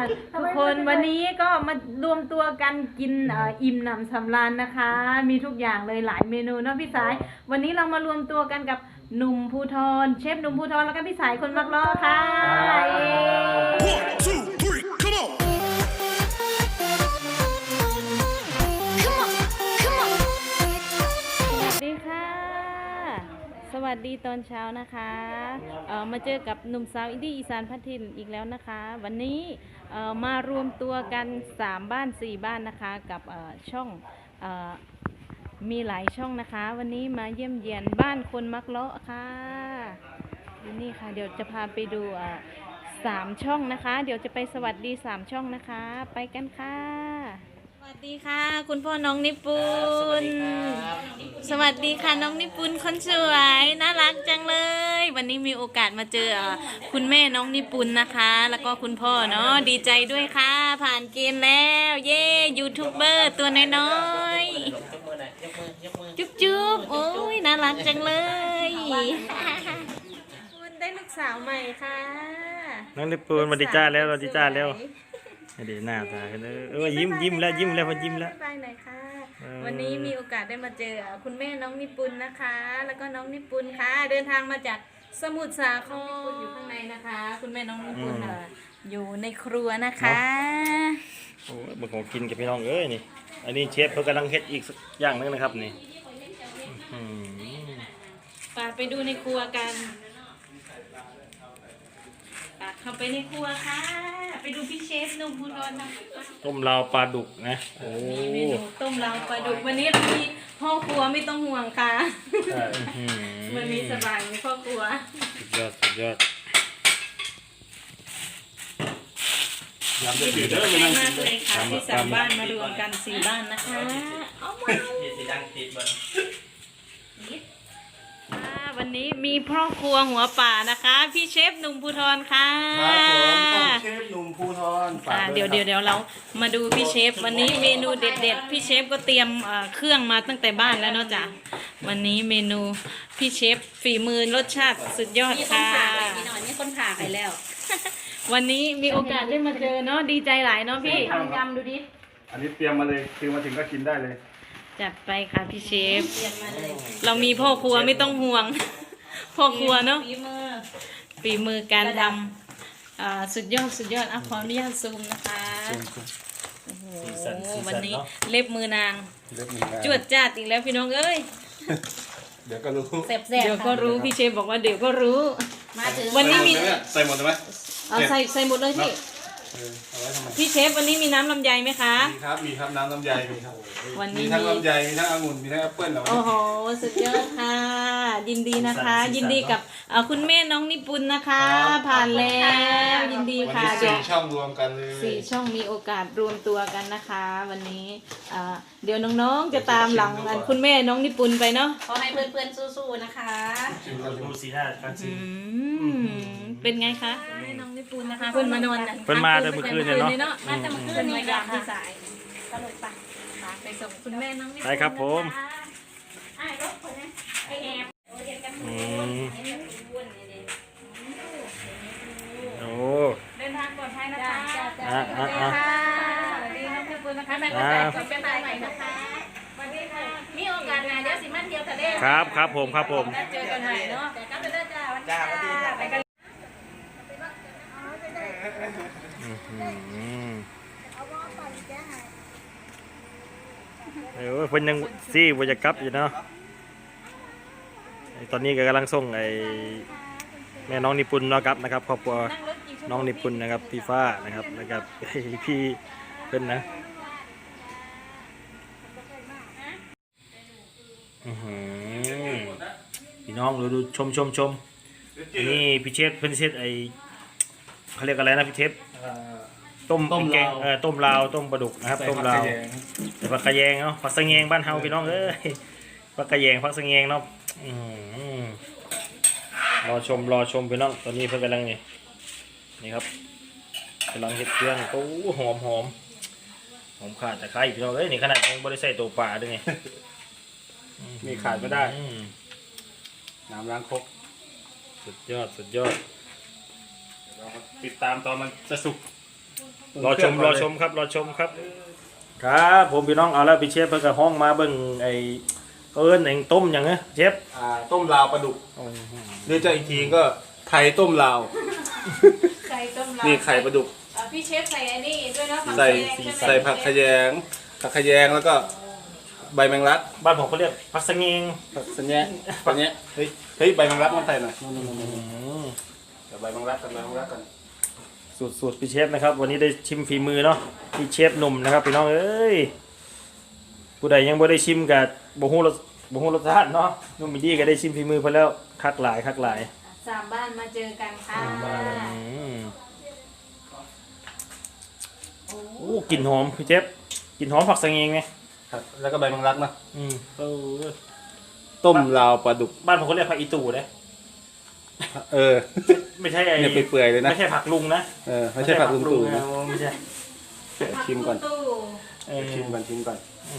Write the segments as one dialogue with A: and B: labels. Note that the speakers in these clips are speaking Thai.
A: ทุกคนวันนี้ก็มารวมตัวกันกินอิ่มหนำสำราญนะคะ มีทุกอย่างเลยหลายเมนูเนาะพี่สาย วันนี้เรามารวมตัวกันกับหนุ่มภูธรเชฟหนุ่มภูธรแล้วก็พี่สายคนมักล้อค่ะเย้
B: One, two, three, come on!
A: สวัสดีค่ะ สวัสดีตอนเช้านะคะมาเจอกับหนุ่มสาวอินดี้อีสานพัทินอีกแล้วนะคะ วันนี้มารวมตัวกัน3บ้าน4บ้านนะคะกับช่องมีหลายช่องนะคะ วันนี้มาเยี่ยมเยียนบ้านคนมักเลาะค่ะนี่ค่ะเดี๋ยวจะพาไปดู3ช่องนะคะ เดี๋ยวจะไปสวัสดี3ช่องนะคะ ไปกันค่ะสวัสดีค่ะคุณพ่อน้องนิปุนสวัสดีค่ะน้องนิปุนคนสวยน่ารักจังเลย วันนี้มีโอกาสมาเจอคุณแม่น้องนิปุนนะคะ แล้วก็คุณพ่อเนาะดีใจด้วยค่ะผ่านเกณฑ์แล้วเย้ยูทูบเบอร์ตัวน้อยๆจุ๊บจุ๊บโอ้ยน่ารักจังเลยคุณได้ลูกสาวใหม่ค่ะ
C: น้องนิปูนมาดีจ้าแล้วเราดีจ้าแล้วเดี๋ยวหน้าตากันยิ้มแล้วพอยิ้มแล้ว
A: บ๊ายบายหน่อยค่ะ วันนี้มีโอกาสได้มาเจอคุณแม่น้องนิปุนนะคะ แล้วก็น้องนิปุนค่ะ เดินทางมาจากสมุทรสาครอยู่ข้างในนะคะ คุณแม่น้องนิปุนอยู่ในครัวนะคะ
C: โอ้ยมันของกินกับพี่น้องเอ้ยนี่อันนี้เชฟเขากำลังเฮ็ดอีกสักอย่างนึงนะครับนี่
A: ไปดูในครัวกันเข้าไปในครัวค่ะ ไปดูพี่เชฟหนุ่มภูธรนะ
C: ต้มลาวปลาดุกนะโอ้
A: เมนูต้มลาวปลาดุกวันนี้เรามีพ่อครัวไม่ต้องห่วงค่ะวันนี้สบายมีพ่อครัว
C: สุดยอดยำจะจืดเด้อ
A: ดีมากเลยค่ะที่สามบ้านมารวมกัน4บ้านนะคะเอามาวันนี้มีพ่อครัวหัวป่านะคะพี่เชฟหนุ่มภูธรค่ะ
D: ครับผมเชฟหนุ่มภูธร
A: เดี๋ยวเรามาดูพี่เชฟวันนี้เมนูเด็ดๆพี่เชฟก็เตรียมเครื่องมาตั้งแต่บ้านแล้วเนาะจ้ะวันนี้เมนูพี่เชฟฝีมือรสชาติสุดยอดค่ะมีคนผ่าไปแล้ววันนี้มีโอกาสได้มาเจอเนาะดีใจหลายเนาะพี่ทำยำดูดิ
D: อันนี้เตรียมมาเลยคือมาถึงก็กินได้เลย
A: จัดไปค่ะพี่เชฟเรามีพ่อครัวไม่ต้องห่วงพ่อครัวเนาะฝีมือการทำสุดยอดขออนุญาตซูมนะคะโอ้โหวันนี้เล็บมือนางจวดจ้าดอีกแล้วพี่น้องเอ้ย
D: เดี๋ยวก็รู้
A: เดี๋ยวก็รู้พี่เชฟบอกว่าเดี๋ยวก็รู้วันนี้มี
D: ใส่หมดไหม
A: ใส่หมดเลยพี่พี่เชฟวันนี้มีน้ำลำไยไหมคะ
D: มีครับน้ำลำไยมีครับ
A: วันนี้
D: มีทั้งลำไยมีทั้งองุ่นมีทั้งแอปเปิ้ลเหรอ
A: โอ้โหสุดยอดค่ะยินดีนะคะยินดีกับคุณแม่น้องนิปุนนะคะผ่านแล้วยินดีค่ะ
D: วันนี้4ช่องรวมกันเลย
A: 4ช่องมีโอกาสรวมตัวกันนะคะ วันนี้เดี๋ยวน้องๆจะตามหลังคุณแม่น้องนิปุนไปเนาะ
E: ขอให้เพื่อนๆสู้ๆนะคะ
C: ดูสีหน้าการชิม
A: เป็นไงคะน้องนิปุนนะคะเพื่อนมานอน
C: เพิ่นมาแต่เมื่อคืนเนี่ยเนาะ
A: มาแต่เมื่อคืนนี่ค่ะพี่สายสนุกปะไปส่งคุณแม่น้องนิปุน
C: ไปครับผมโอ้
A: เดินทางปลอดภัยนะคะ
C: สวัสดี
A: น้องนิปุนนะคะแม่ก็ใจคุณเป็นใหม่นะคะสวัสดีค่ะมีโอกาสงานเดี๋ยวสิมันเดียวทะเล
C: ครับผม
A: เจอกันใหม่เนาะแต่ก็ไปเด้อจ้าวันนี้ไปกัน
C: เพิ่นยังซี่บ่จะกลับอยู่เนาะตอนนี้ก็กำลังส่งแม่น้องนิปุนเนาะครับนะครับครอบครัวน้องนิปุนนะครับพี่ฟ้านะครับแล้วก็พี่เพิ่นนะพี่น้องดูชมนี่พี่เชฟเพิ่นเซตเขาเรียกอะไรนะพี่เชฟต้มแกงต้มลาวต้มปลาดุกนะครับต้มลาวแต่ผักกระแยงเนาะผักสะแงงบ้านเฮาพี่น้องผักกระแยงผักสะแงงเนาะรอชมพี่น้องตอนนี้เพิ่นกำลังนี่ครับกำลังเฮ็ดเครื่องโอ้หอมขาดตะไคร้พี่น้องนี่ขนาดยังบ่ได้ใส่ตัวปลาด้วยไง
D: มีขาดไม่ได้น้ำล้างครก
C: สุดยอดเราติดตามตอนมันจะสุกรอชมครับรอชมครับครับผมพี่น้องเอาแล้วพี่เชฟเพิ่งกับห้องมาเบิ่งไอ้เอิ้นเองต้มอย่างเงี้ยเชฟ
D: ต้มลาวปลาดุกหรือจะอีกทีก็ไทยต้มลาว
A: ไข่ต้มเรา
D: นี่ไข่ปลาดุก
A: พี่เชฟใส่อันนี้ด้วยเนาะ
D: ใส่ผักขยงแล้วก็ใบแมงลัก
C: บ้านผมเขาเรียกผักสะเงง
D: ผักสัญญาเฮ้ยใบแมงลักมันใส่หน่อยเดี๋ยวใบแมงลักกัน
C: สูตรพี่เชฟนะครับ วันนี้ได้ชิมฝีมือเนาะพี่เชฟหนุ่มนะครับพี่น้องเอ้ยผู้ใดยังบ่ได้ชิมกับบ่ฮู้รสชาติเนาะนุ่มมีดีก็ได้ชิมฝีมือเพิ่นแล้วคักหลาย
A: สามบ้านมาเจอกันค่ะ
C: โอ้กลิ่นหอมพี่เชฟกลิ่นหอมผักสะเงงไง
D: ครับแล้วก็ใบแมงลักนะ
C: เออ
D: ต้มลาวปลาดุก
C: บ้านผมเขาเรียกผักอีตู่นะ ไม่ใช่ไอ้
D: เนี่ยเปื่อยๆเลยนะ
C: ไม่ใช่ผักลุงนะ
D: ไม่ใช่ผักลุงตู่นะ
C: ไม่ใช่
D: ชิมก่อน
A: ตู้
D: ชิมก่อนชิมหน่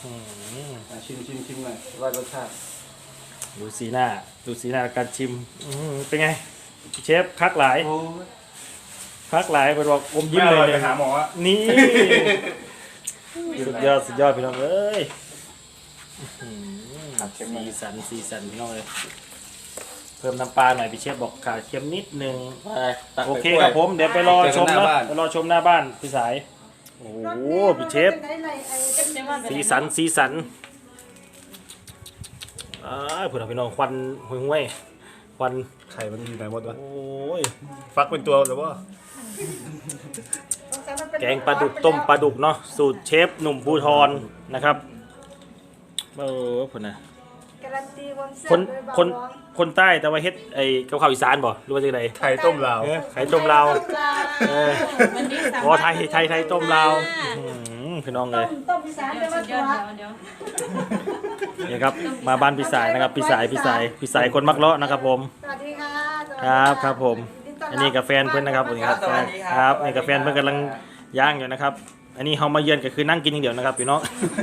D: อยว่ารสชาติ
C: ดูสีหน้าการชิมเป็นไงเชฟคักหลายเป็นบอกอมยิ้มเลย
D: ไปหาหมอ
C: นี่สุดยอดพี่น้องเอ้ยสีสันพี่น้องเลยเพิ่มน้ำปลาหน่อยพี่เชฟบอกขาดเค็มนิดนึงโอเคครับผมเดี๋ยวไปรอชมนะไปรอชมหน้าบ้านพี่สายโอ้โหพี่เชฟสีสันเพื่อนพี่น้องควันห่วยควัน
D: ไข่มันอยู่ไหนหมดวะ
C: โอ้ย
D: ฟักเป็นตัวหรือว่า
C: แกงปลาดุกต้มปลาดุกเนาะสูตรเชฟหนุ่มภูทรนะครับเพื่อนนะ
F: การันตีความแซ่
C: คน
F: บด้วย
C: คนคนใต้แต่ว่าเฮ็ดไอ้กับข้าวอีสานบ่หรือว่าจังได
D: ไข่ต้มลาว
C: ไข่ต้มลาว
A: วันนี้สาม
C: อ๋อไทยต้มลาวพี่น้องเลย
F: ต้มอีสานแต่ว่า
A: เดี๋
F: ตั
A: ยว
F: ว
A: เดี๋ยว
C: นี่ครับมาบ้านพี่สายนะครับพี่สายคนมักเลาะนะครับผม
F: สวัสดีค่ะ
C: ครับผมอันนี้กับแฟนเพื่อนนะครับนี่ครับครับนี่กับแฟนเพื่อนกำลังย่างอยู่นะครับ อันนี้เฮามาเยือนก็คือนั่งกินอย่างเดียวนะครับพี่น้อง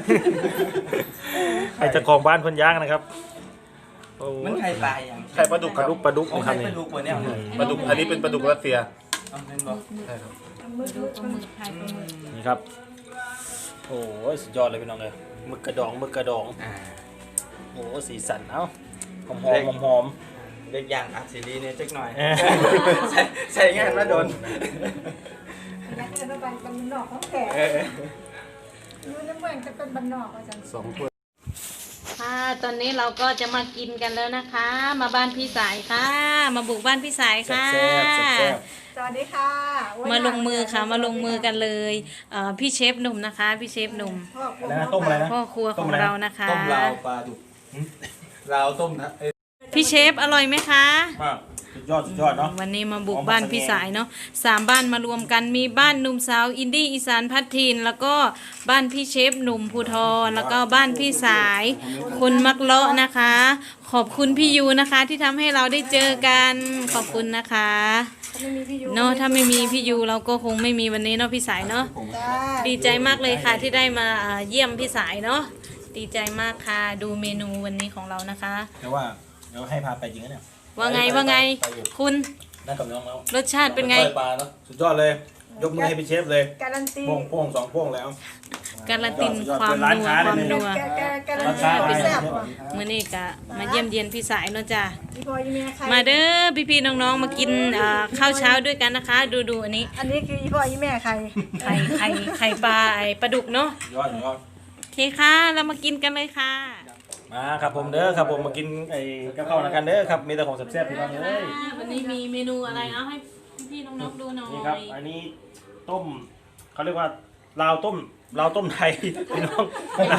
C: ไอ้เจ้าของบ้านเพื่อนย่างนะครับโอ้
G: มันไข่ปลาอย่าง
D: ไข่ปลาดุก
C: ปลาดุก
G: ของ
C: นะค
G: ไข่
C: รับ
G: ป
C: นี่
G: ลาดุกกว่าเนี่ย
D: ปลาดุกอันนี้เป็นปลาดุกรัสเซีย
G: เอาเป็นบอก
A: ไข่ปลาหมึก
C: นี่ครับโอ้ยสุดยอดเลยพี่น้องเลยหมึกกระดองโอ้สีสันเอ้าหอม
G: เด็กอย่างอัดซีรีเนี่ยจักหน่อย
C: เอ้ย
G: ใส่งานมาโดน
F: อยากเดินไปเป็นบันนอกของแขกอยู่ในเมืองจะเป็นบันนอกอาจารย์
D: 2 ถ้วย
A: ค่ะตอนนี้เราก็จะมากินกันแล้วนะคะ มาบ้านพี่สายค่ะ มาบุกบ้านพี่สายค่ะ
F: สวัสดีค่ะโอ้ย
A: มาลงมือค่ะมาลงมือกันเลยพี่เชฟหนุ่มนะคะ พี่เชฟหนุ่ม
F: พ่อครัว
C: แล้วนะต้มอะไรนะ
A: พ่อครัวของเรานะคะ
G: ต้มลาวปลาดุก
D: ลาวต้มนะ
A: พี่เชฟอร่อยไหมคะ
C: มากสุดยอดเนาะ
A: วันนี้มาบุกบ้านพี่สายเนาะ3 บ้านมารวมกันมีบ้านหนุ่มสาวอินดี้อีสานพัฒทินแล้วก็บ้านพี่เชฟหนุ่มภูทรแล้วก็บ้านพี่สายคนมักเลาะนะคะ ขอบคุณพี่ยูนะคะ ที่ทำให้เราได้เจอกันขอบคุณนะคะ
F: ไม่มีพี่ยู
A: เนาะถ้าไม่มีพี่ยูเราก็คงไม่มีวันนี้เนาะพี่สายเนาะ
F: จ้า
A: ดีใจมากเลยค่ะที่ได้มาเยี่ยมพี่สายเนาะดีใจมากค่ะดูเมนูวันนี้ของเรานะคะ
C: แต่ว่าเดี๋ยวให้พาไปจริงนะเนี่ย
A: ว่าไงคุณ
C: นั่งกับน้องแล้ว
A: รสชาติเป็นไง
C: ปลาเนาะสุดยอดเลย ยกมือให้พี่เชฟเลย
F: การันตี
C: โป้ง2 โป้งแล้ว
A: การันตีความ
C: เป็นร้าน
A: นัว
C: ค้า
A: ความ
C: เลย
A: นัว
F: การันตีความแซ่บว่ะ
A: มื้อนี้ก็มาเยี่ยมเยียนพี่สายเนาะจ้ะ
F: พี่พลอยยี่เมียใคร
A: มาเด้อพี่ๆน้องๆมากินข้าวเช้าด้วยกันนะคะ ดูอันนี้
F: อันนี้คือพี่พลอยยี่แม่ใคร
A: ไข่ปลาปลาดุกเนาะ
C: ยอด
A: โอเคค่ะเรามากินกันเลยค่ะ
C: มาครับผมเด้อครับผมมากินไอ้กับข้าวนะกันเด้อครับมีแต่ของแซ่บๆพี่น้องเลย
A: วันนี้มีเมนูอะไรเอาให้พี่ๆน้องๆดูหน่อย
C: นี่ครับอันนี้ต้มเขาเรียกว่าลาวต้มไทยพี่น้อง
A: ต้มลาว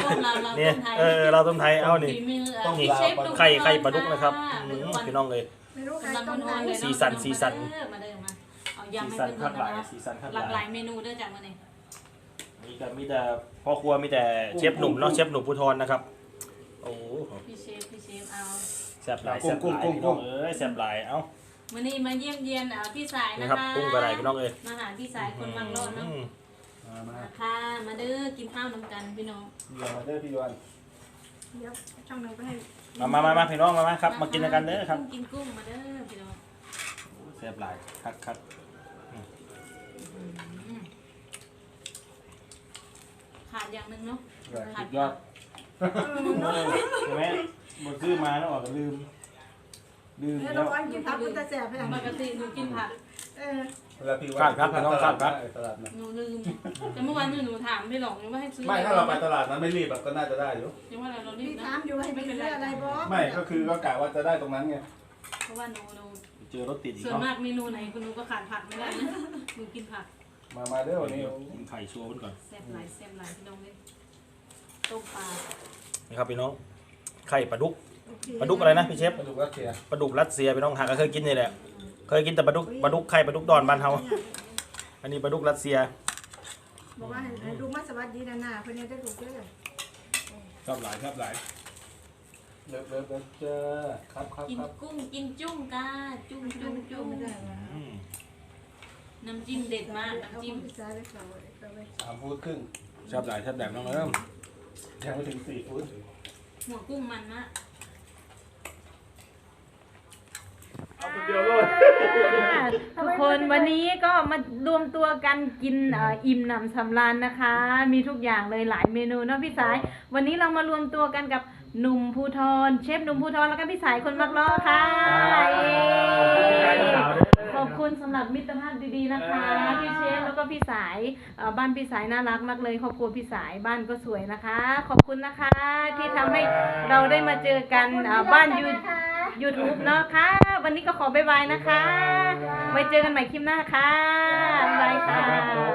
C: เนี่ย
A: ต้มไทย
C: ลาวต้มไทยเอานี่
A: ฝีมือ
C: ต้องมี
A: พี่เชฟดู
C: ไข่ปลาดุกนะครับพี่น้องเลย
F: ไม่รู้ใคร
A: กำลัง
F: ต้ม
A: น
F: ไหน
A: วลเลยเนาะ
C: สีสัน
A: มาเด้อมาเอายำ
C: สี
A: ให้
C: สัน
A: เพื่อน
C: คักหลาย
A: ๆนะ
C: สีสันคัก
A: หลากห
C: ห
A: ลา
C: ลาย
A: ยเมนูเด้อจากมื้อนี้
C: มีแต่พ่อครัวมีแต่เชฟหนุ่มเนาะเชฟหนุ่มภูทรนะครับโอ้
A: พี่เชฟเอา
C: แซ่บหลายพี่น้องเอ้ยแซ่บหลายเอ้า
A: วันนี้มาเยี่ยมเยียนพี่สาย
C: นี่
A: นะ
C: ครับ
A: คะ
C: กุ้งกระไรพี่น้องเอ้ย
A: มาหาพี่สายคนบางโลดเนาะ มาค่ะ มาเด้อกินข้าวน้ำกันพี่น้อง
D: เดี๋ยวมาเด้อพี่ยวน
F: เดี๋ยวช่างหนึ่งไปให้
C: มาพี่น้องมาครับมากินกันเด้อครับ
A: กินกุ้งมาเด้อพี่น้อง
C: แซ่บหลายคัก
A: อย่างหนึ่งเนาะ
D: สุดยอดใช่ไหมหมดซื้อมาแล้วออกก็ลืม
F: แล้ว
D: แล้
F: เรา
D: ว
F: อันกินผักมันจะแสบไปอ่ะ
A: ปกติหนูกินผัก
D: เวลาพี่ว่าครับน้องครับตลาดนะ
A: หนูลืมแต่เมื่อวานหนูถามพี่หลงยังว่าให้ซื้อ
D: ไม่ถ้าเราไปตลาดนั้นไม่รีบก็น่าจะได้อยู่
A: ยังว่าเรารี
F: พี่
A: บนะ
F: ถามอยู่ให้เป็นเรื่องอะไรบ่
D: ไม่ก็คือก็กะว่าจะได้ตรงนั้นไง
A: เพราะว่าหนู
C: เจอรถติดอีก
A: ส่วน
C: เนาะ
A: มากเมนูไหนคุณหนูก็ขาดผักไม่ได้นะหนูกินผัก
D: มาเด้อวันนี้
C: กินไข่โชว์ไว้ก่อน
A: แซ่บหลายพี่น้องเลยต้มปลา
C: นี่ครับพี่น้องไข่ปลาดุกปลาดุกอะไรนะพี่เชฟ
D: ปลาดุกรัสเซีย
C: ปลาดุกรัสเซียพี่น้องหากเคยกินนี่แหละเคยกินแต่ปลาดุกไข่ปลาดุกดอนบ้านเฮาอันนี้ปลาดุกรัสเซีย
F: บอกว่าให้ลูกมาสวัสดีนะเพื่อนจะถูกเยอะ
D: ชอบหลายเลิฟเจอครับ
A: กินกุ้งกินจุ้งกาจุ้ง
F: ไม่ได้ว่า
A: น้ำจิ้มเด็ดมาก
F: เอา
A: น้ำจิ้ม
F: พิซซ่าไปเขาไป
D: 3 ฟู้ดครึ่งชอบหลายแบบน้องเริ่มยังไม่ถึง4 ฟู้ด
A: หัวกุ้งมันมากทุกคนวันนี้ก็มารวมตัวกันกินอิ่มหนำสำราญนะคะ มีทุกอย่างเลยหลายเมนูเนาะพี่สาย วันนี้เรามารวมตัวกันกับหนุ่มภูทรเชฟหนุ่มภูทรแล้วก็พี่สายคนมักล้อค่ะขอบคุณสำหรับมิตรภาพดีๆนะคะพี่เชฟแล้วก็พี่สายบ้านพี่สายน่ารักมากเลยครอบครัวพี่สายบ้านก็สวยนะคะ ขอบคุณนะคะ ที่ทำให้เราได้มาเจอกันบ้านYouTube เนาะค่ะ วันนี้ก็ขอบ๊ายบายนะคะ ไว้เจอกันใหม่คลิปหน้าค่ะบ๊ายบายค่ะ